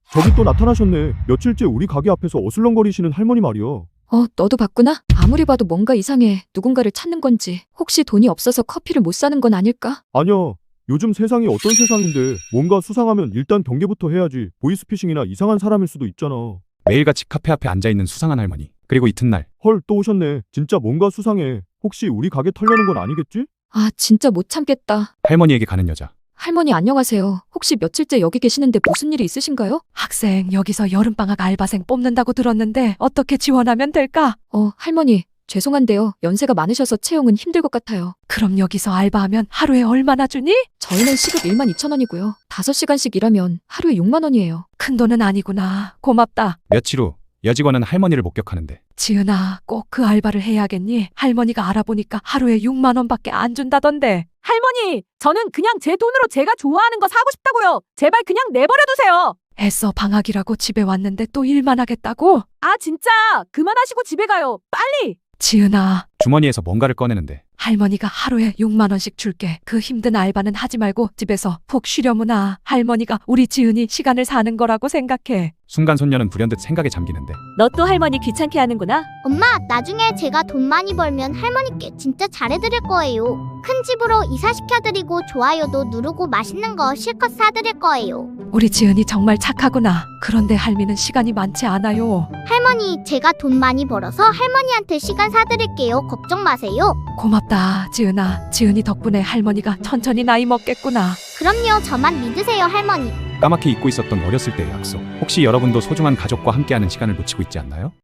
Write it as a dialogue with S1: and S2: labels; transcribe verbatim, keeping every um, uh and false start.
S1: 저기 또 나타나셨네. 며칠째 우리 가게 앞에서 어슬렁거리시는 할머니 말이요.
S2: 어, 너도 봤구나? 아무리 봐도 뭔가 이상해. 누군가를 찾는 건지. 혹시 돈이 없어서 커피를 못 사는 건 아닐까?
S1: 아니야. 요즘 세상이 어떤 세상인데 뭔가 수상하면 일단 경계부터 해야지. 보이스피싱이나 이상한 사람일 수도 있잖아.
S3: 매일같이 카페 앞에 앉아있는 수상한 할머니. 그리고 이튿날
S1: 헐, 또 오셨네. 진짜 뭔가 수상해. 혹시 우리 가게 털려는 건 아니겠지?
S2: 아, 진짜 못 참겠다.
S3: 할머니에게 가는 여자.
S2: 할머니 안녕하세요. 혹시 며칠째 여기 계시는데 무슨 일이 있으신가요?
S4: 학생, 여기서 여름방학 알바생 뽑는다고 들었는데 어떻게 지원하면 될까?
S2: 어, 할머니. 죄송한데요. 연세가 많으셔서 채용은 힘들 것 같아요.
S4: 그럼 여기서 알바하면 하루에 얼마나 주니?
S2: 저희는 시급 일만 이천 원이고요. 다섯 시간씩 일하면 하루에 육만 원이에요.
S4: 큰돈은 아니구나. 고맙다.
S3: 며칠 후 여직원은 할머니를 목격하는데
S4: 지은아, 꼭 그 알바를 해야겠니? 할머니가 알아보니까 하루에 육만 원밖에 안 준다던데.
S5: 할머니, 저는 그냥 제 돈으로 제가 좋아하는 거 사고 싶다고요. 제발 그냥 내버려두세요.
S4: 애써 방학이라고 집에 왔는데 또 일만 하겠다고?
S5: 아, 진짜 그만하시고 집에 가요. 빨리.
S4: 지은아,
S3: 주머니에서 뭔가를 꺼내는데
S4: 할머니가 하루에 육만 원씩 줄게. 그 힘든 알바는 하지 말고 집에서 푹 쉬려무나. 할머니가 우리 지은이 시간을 사는 거라고 생각해.
S3: 순간 손녀는 불현듯 생각에 잠기는데
S5: 너 또 할머니 귀찮게 하는구나.
S6: 엄마, 나중에 제가 돈 많이 벌면 할머니께 진짜 잘해드릴 거예요. 큰 집으로 이사시켜드리고 좋아요도 누르고 맛있는 거 실컷 사드릴 거예요.
S4: 우리 지은이 정말 착하구나. 그런데 할미는 시간이 많지 않아요.
S6: 할머니, 제가 돈 많이 벌어서 할머니한테 시간 사드릴게요. 걱정 마세요.
S4: 고맙다, 지은아. 지은이 덕분에 할머니가 천천히 나이 먹겠구나.
S6: 그럼요, 저만 믿으세요, 할머니.
S3: 까맣게 잊고 있었던 어렸을 때의 약속. 혹시 여러분도 소중한 가족과 함께하는 시간을 놓치고 있지 않나요?